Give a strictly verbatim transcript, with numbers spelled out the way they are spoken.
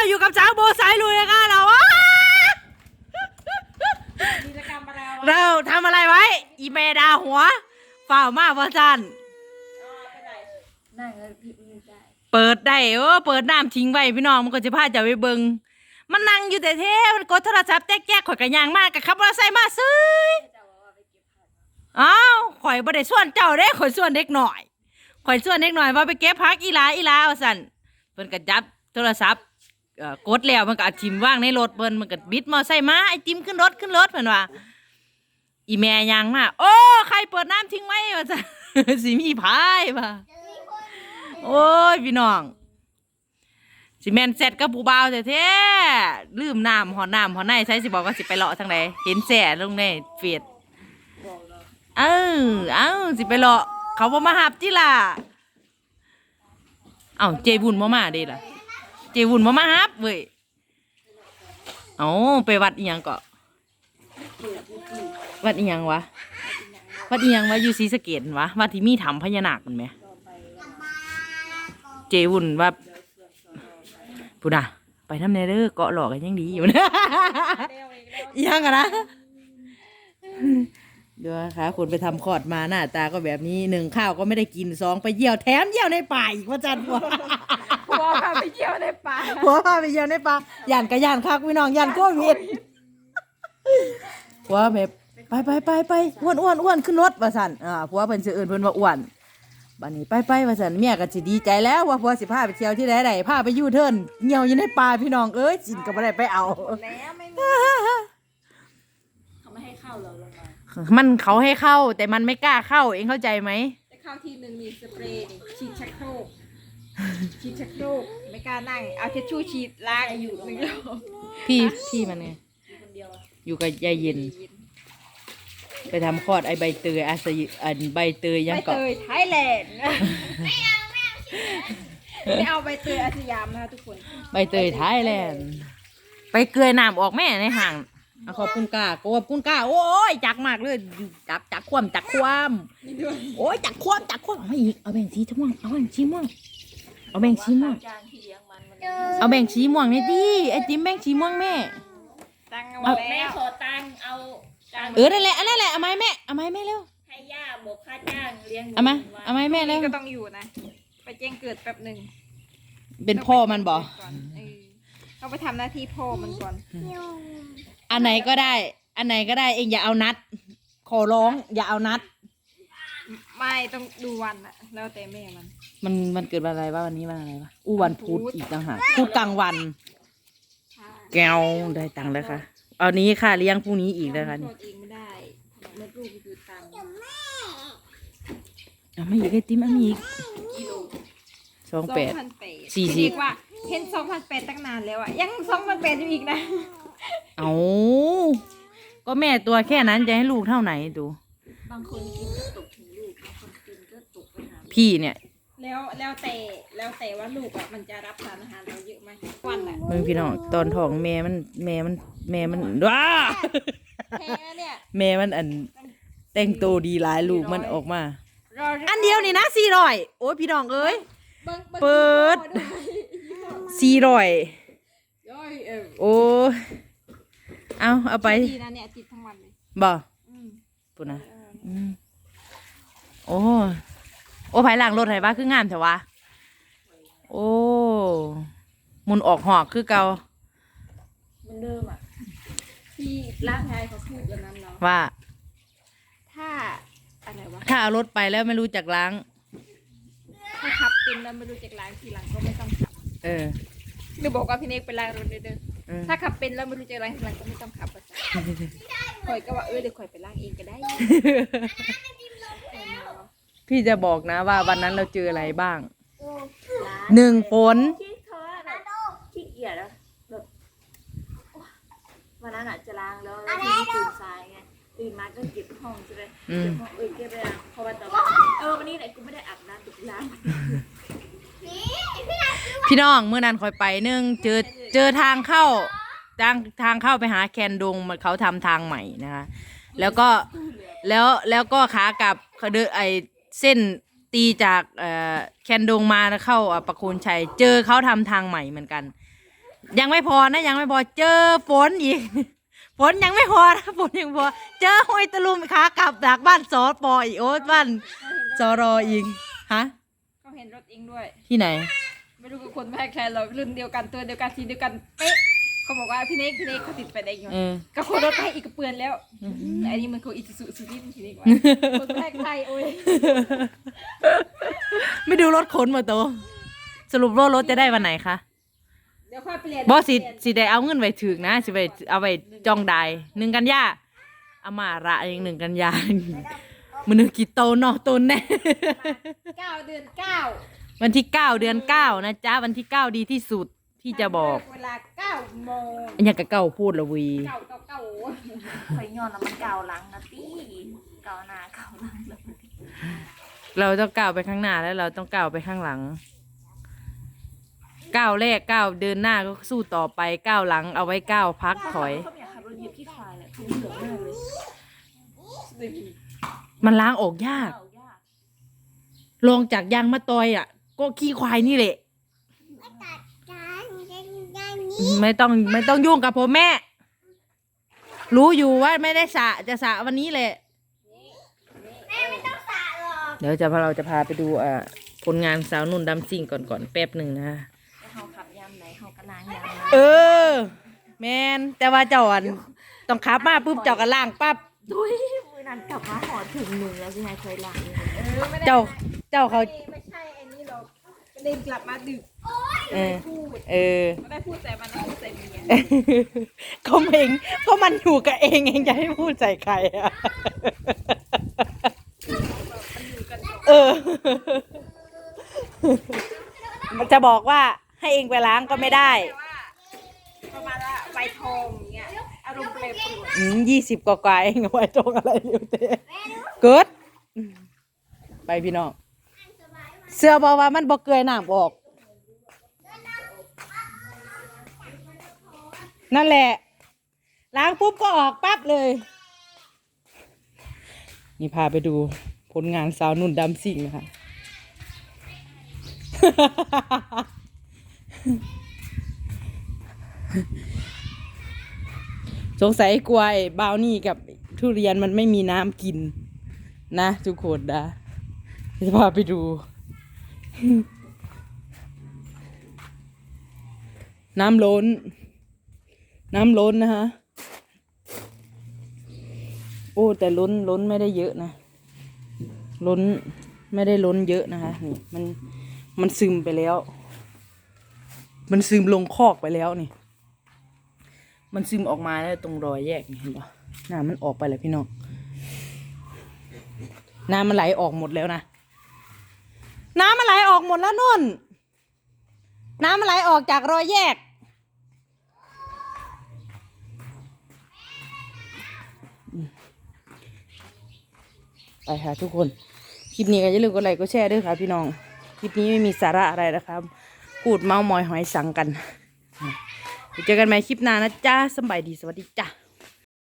อยู่กับช้างโบสายลุยนะคะเรากิจกรรมอะไรวะเราทำอะไรไว้อีเมดาหัวฝ่าวมากว่าจันนั่งแล้วพี่ไม่ได้เปิดได้เออเปิดน้ำทิ้งไว้พี่น้องมันก็จะพาจะไปเบิงมันนั่งอยู่แต่เท่มันกดโทรศัพท์แจ๊กๆข่อยกระยางมากกับขับมอเตอร์ไซค์มาซื้ออ้าวข่อยบ่ได้ส่วนเจ้าเด้ข่อยส่วนเด็กหน่อยข่อยส่วนเด็กหน่อยว่าไปเก็บผักอีลาอีลาว่าสั่นเพิ่นก็จับโทรศัพท์เอ่อกดแล้วมันก็เอาทิ่มว่างในรถเพิ่นมันก็บิดมอไซค์มาไอ้ติมขึ้นรถขึ้นรถเพิ่นว่าอีแม่ยางมาโอ้ใครเปิดน้ำทิ้งไว้ว่าสั่น สิมีพายป่ะโอ้ยพี่น้องสิแม่นเสร็จกับผู้บ่าวแท้ๆลืมน้ำหอน้ำหอในใช้สิบอกว่าสิไปเลาะทางไหนเห็นแส่ลงในเฟซเออเอ้าสิไปเลาะเขาบ่มาหับจิล่ะเอ้าเจบุญบ่มาเด้ล่ะเจบุญบ่มาหับเว้ยเอ้าไปวัดอีหยังก็วัดอีหยังวะวัดอีหยังวะอยู่ศรีสะเกษวะวัดที่มีถ้ำพญานาคมันไหมเจบุญว่าพูดนะไปทำในเด้อเกาะหลอกกันยังดีอยู่นะยังอะนะเดี๋ยวนะคะคนไปทำคลอดมาหน้าตาก็แบบนี้หนึ่งข้าวก็ไม่ได้กินสองไปเยี่ยวแถมเยี่ยวในป่าอีกว่าจันหัวผัวพาไปเที่ยวในป่าหัวพาไปเยี่ยวในป่าย่านกับย่านคักพี่น้องย่านโควิดหัวแบบไปไปไปไปอ้วนอ้วนอ้วนขึ้นรถว่าสันอ่าผัวเพิ่นชื่ออื่นเพิ่นว่าอ้วนบัดนี้ไปไปว่าสันเมียก็สิดีใจแล้วว่าผัวสิพาไปเที่ยวที่ใดใดพาไปยูเทิร์นเหี่ยวอยู่ในป่าพี่น้องเอ้ยจินก็บ่ได้ไปเอาแล้วไม่มีเขาไม่ให้เข้าเราลงมามันเขาให้เข้าแต่มันไม่กล้าเข้าเองเข้าใจไหมจะเข้าทีหนึ่งมีสเปรย์นี่ฉีดชักโครกฉีดชักโครกไม่กล้านั่งเอาเช็ดชู่ฉีดล้างอยู่หนึ่งรอบพี่พี่มันไงอยู่กับยายเย็นไปทำคลอดไอใบเตยอาศยอันใบเตยยังเกาะใบเตยไทยแลนด์ไม่เอาไม่เอาไม่เอาใบเตยอาสยามนะคะทุกคนใบเตยไทยแลนด์ไปเกลือน้ำออกแม่ในห่างขอบคุณก้าขอบคุณก้าโอ้ยจักมากเลยจักจักคว่ำจักคว่ำโอ้ยจักคว่ำจักคว่ำเอาอีกเอาแบ่งสีม่วงเอาแบ่งสีม่วงเอาแบ่งสีม่วงเอาแบ่งสีม่วงนี่ดิไอติมแบ่งสีม่วงแม่ตังเอาแม่ขอตังเอาเออนั่นแหละอันนั่นแหละเอาไม้แม่เอาไม้แม่เร็วให้ย่าบอกค่าจ้างเลี้ยงเอามาเอาไม้แม่เร็วก็ต้องอยู่นะไปแจ้งเกิดแป๊บหนึ่งเป็นพ่อมันบอกต้องไปทำหน้าที่พ่อมันก่อนอันไหนก็ได้อันไหนก็ได้เองอย่าเอานัดขอร้องอย่าเอานัดไม่ต้องดูวันอะแล้วแต่แม่มันมันมันเกิดวันอะไรวะวันนี้วันอะไรวะอู้วันพุธอีกต่างหากพุธกลางวันแก้วได้ตังค์แล้วค่ะเอานี้ค่ะเลี้ยงพรุ่งนี้อีกนะคะนี่เองไม่ได้เมื่อลูกอยู่ตังค์เอาไม่อีกไอติมเอาอีกสองแปดสี่สิบว่าเห็นสองพันแปดตั้งนานแล้วอะยังสองพันแปดอยู่อีกนะเอาก็แม่ตัวแค่นั้นจะให้ลูกเท่าไหนดูบางคนกินก็ตกถึงลูกบางคนกินก็ตกไปหาพี่เนี่ยแล้วแล้วแต่แล้วแต่ว่าลูกอะมันจะรับสารอาหารเราเยอะไหมวันอะมึงพี่น้องตอนท้องแม่มันแม่มันแม่มันว้าแม่มันอันแต่งตัวดีหลายลูกมันออกมาอันเดียวนี่นะสี่ร้อยโอ้ยพี่น้องเอ้ยเปิดสี่ร้อยโอ้เอาเอาไปดีนะเนี่ยติดทั้งวันเลยบ่ปุ่นนะโอ้โอ้ภายหลังรถไหนบ้าคืองามเถอะวะโอ้มุนออกหอกคือเก่ามันเดิมอ่ะที่ร่างกายเขาพูดอย่างนั้นเนาะว่าถ้าอะไรวะถ้าเอารถไปแล้วไม่รู้จักล้างถ้าขับเป็นแล้วไม่รู้จักล้างทีหลังก็ไม่ต้องขับเออหรือบอกว่าพี่เนกไปล้างรถเด้อถ้าขับเป็นแล้วไม่รู้จักล้างทีหลังก็ไม่ต้องขับอ่ะข่อยก็ว่าเออเดี๋ยวข่อยไปล้างเองก็ได้พี่จะบอกนะว่าวันนั้นเราเจออะไรบ้างหนึ่งฝนที่เขาแบบขี้เกียจแล้วแบบวันนั้นอ่ะจะล้างแล้วแล้วทีนี้ตื่นสายไงตื่นมาก็เก็บห้องใช่ไหมเก็บห้องเออเก็บไปล้างพอวันต่อมาเออวันนี้ไหนกูไม่ได้อาบน้ำถูกล้างพี่น้องเมื่อนั้นคอยไปนึงเจอเจอทางเข้าทางทางเข้าไปหาแคนดงมันเขาทำทางใหม่นะคะแล้วก็แล้วแล้วก็ขากลับเขาเดินไอเส้นตีจากแคนดงมาเข้าประโคนชัยเจอเขาทำทางใหม่เหมือนกันยังไม่พอนะยังไม่พอเจอฝนอีก ฝนยังไม่พอนะฝนยังพอเจอห้อยตะลุมขากลับจากบ้านสอปออีกโอ๊ตบ้านสอรออีกฮะเขาเห็นรถเองด้วยที่ไหนไม่รู้กับคนแพ้ใครเรารุ่นเดียวกันตัวเดียวกันสีเดียวกันเป๊ะเขาบอกว่าพี่เน็กพี่เน็กเขาติดไฟแดงอยู่เออกับคนรถไฟอีกกระเปือนแล้วอันนี้มันเขาอิสุสุดินทีนี้กว่าคนแพ้ใครโอ้ยไม่ดูรถขนมาโตวสรุปว่ารถจะได้วันไหนคะเดี๋ยวค่อยเปลี่ยนบอสิสิได้เอาเงินไว้ถึกนะสิไปเอาไปจองได้หนึ่งกันยาเอามาระเองหนึ่งกันยามันนึกกี่โตเนาะโตแน่เก้าเดือนเก้าวันที่เก้าเดือนเก้านะจ๊ะวันที่เก้าดีที่สุดที่จะบอกเวลาเก้าโมงอันนี้ก็เก้าพูดละวีเก้าเก้าเก้าคอยย้อนแล้วมันเก่าหลังนะตี้เก่าหน้าเก่าหลังแล้วเราต้องก้าวไปข้างหน้าแล้วเราต้องก้าวไปข้างหลังก้าวแรกก้าวเดินหน้าก็สู้ต่อไปก้าวหลังเอาไว้ก้าวพักถอยเขาอยากขับรถเหยียบขี้ควายแหละเขาเหลืองมากเลยมันล้างออกยากเก่ายากลงจากยางมะตอยอ่ะ ก็ขี้ควายนี่แหละไม่ต้องไม่ต้องยุ่งกับผมแม่ รู้อยู่ว่าไม่ได้สระจะสระวันนี้แหละแม่ไม่ต้องสระหรอกเดี๋ยวจะพาเราจะพาไปดูอ่าผลงานสาวนุ่นดำซิ่งก่อนก่อนแป๊บหนึ่งนะแล้วเขาขับยามไหนเขากระล้างยามเออ แมนแต่ว่าเจ้าอันต้องขับมาปุ๊บเจ้าก็ล่างปั๊บดุยมือนั้นกลับมาหอถึงหนึ่งแล้วสิไงเคยล้างเออไม่ได้เจ้าเจ้าเขาไม่ใช่ไอ้นี่หรอกเดินกลับมาดึกเออพูดเออไม่ได้พูดใส่มันนะพูดใส่เมียก็เองก็มันอยู่กับเองเองจะให้พูดใส่ใครอ่ะ เออ มันจะบอกว่าให้เองไปล้างก็ไม่ได้ประมาณว่าใบทองอย่างเงี้ยอารมณ์เปรย์ปรวนอืมยี่สิบกว่าๆเองเอาไว้ตรงอะไรอยู่เต้เกิดอืมไปพี่น้อง เสื้อบอกว่ามันบอกเกยน้ำออก นั่นแหละ ล้างปุ๊บก็ออกปั๊บเลย นี่พาไปดูผลงานสาวนุ่นดำซิ่งนะคะ สงสัยกลัวไอ้บราวนี่กับทุเรียนมันไม่มีน้ำกิน นะทุกคนนะจะพาไปดู น้ำล้น น้ำล้นนะคะโอ้แต่ล้นล้นไม่ได้เยอะนะ ล้นไม่ได้ล้นเยอะนะคะนี่มันมันซึมไปแล้ว มันซึมลงคอกไปแล้วนี่ มันซึมออกมาแล้วตรงรอยแยกนี่เห็นปะน้ำมันออกไปแล้วพี่น้อง น้ำมันไหลออกหมดแล้วนะ น้ำมันไหลออกหมดแล้วนุ่น น้ำมันไหลออกจากรอยแยก ไปค่ะทุกคน คลิปนี้ก็อย่าลืมกดไลค์กดแชร์ด้วยค่ะพี่น้อง คลิปนี้ไม่มีสาระอะไรนะครับพูดเมามอยหอยสังกัน เจอกันใหม่คลิปหน้านะจ๊ะสบายดีสวัสดีจ้ะ